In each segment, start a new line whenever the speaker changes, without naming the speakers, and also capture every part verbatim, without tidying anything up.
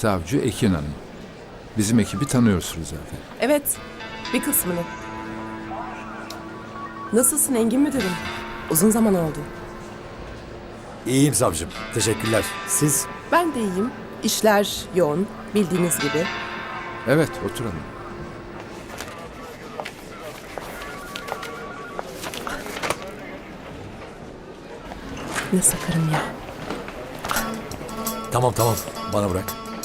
Savcı Ekin Hanım. Bizim ekibi tanıyorsunuz zaten.
Evet, bir kısmını. Nasılsın Engin müdürüm? Uzun zaman oldu.
İyiyim savcım. Teşekkürler. Siz?
Ben de iyiyim. İşler yoğun, bildiğiniz gibi.
Evet, oturalım.
Ne sakarım ya.
Tamam tamam. Bana bırak.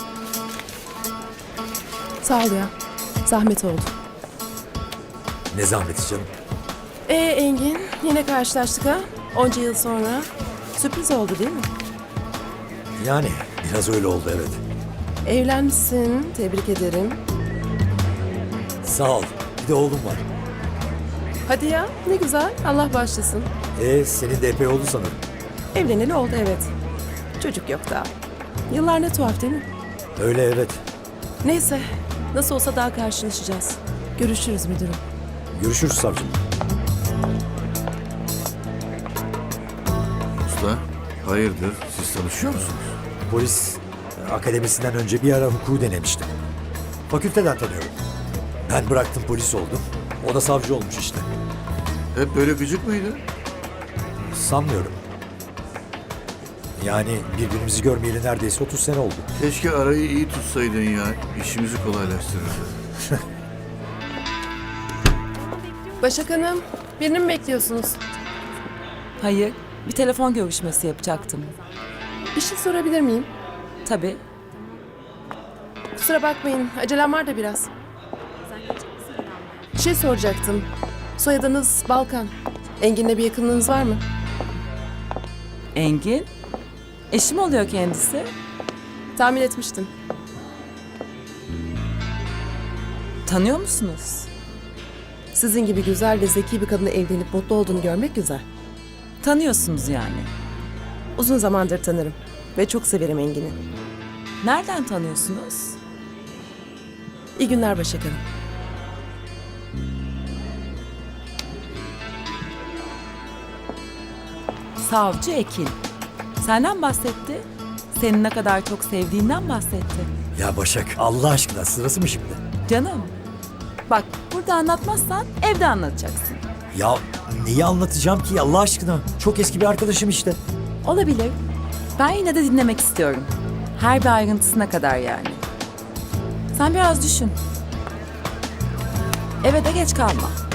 Sağ ol ya. Zahmet oldu.
Ne zahmeti canım.
Ee Engin, yine karşılaştık ha? Onca yıl sonra. Sürpriz oldu değil mi?
Yani biraz öyle oldu evet.
Evlenmişsin, tebrik ederim.
Sağ ol. Bir de oğlum var.
Hadi ya, ne güzel. Allah bağışlasın.
Ee, senin de epey oldu sanırım.
Evleneli oldu evet. Çocuk yok daha. Yıllar ne tuhaf değil mi?
Öyle evet.
Neyse, nasıl olsa daha karşılaşacağız. Görüşürüz müdürüm.
Görüşürüz savcım.
Usta, hayırdır? Siz tanışıyor musunuz?
Polis e, akademisinden önce bir ara hukuku denemiştim. Fakülteden tanıyorum. Ben bıraktım polis oldum. O da savcı olmuş işte.
Hep böyle gıcık mıydı?
Sanmıyorum. Yani birbirimizi görmeyeli neredeyse otuz sene oldu.
Keşke arayı iyi tutsaydın ya. İşimizi kolaylaştırırdı.
Başak Hanım, birini mi bekliyorsunuz?
Hayır, bir telefon görüşmesi yapacaktım.
Bir şey sorabilir miyim?
Tabii.
Kusura bakmayın, acelem var da biraz. Bir şey soracaktım. Soyadınız Balkan. Engin'le bir yakınlığınız var mı?
Engin, eşim oluyor kendisi.
Tahmin etmiştim.
Tanıyor musunuz?
Sizin gibi güzel ve zeki bir kadınla evlenip mutlu olduğunu görmek güzel.
Tanıyorsunuz yani.
Uzun zamandır tanırım ve çok severim Engin'i.
Nereden tanıyorsunuz?
İyi günler Başak Hanım.
Savcı Ekin. Senden bahsetti. Seni ne kadar çok sevdiğinden bahsetti.
Ya Başak Allah aşkına sırası mı şimdi?
Canım, bak burada anlatmazsan evde anlatacaksın.
Ya neyi anlatacağım ki Allah aşkına? Çok eski bir arkadaşım işte.
Olabilir. Ben yine de dinlemek istiyorum. Her bir ayrıntısına kadar yani. Sen biraz düşün. Eve de geç kalma.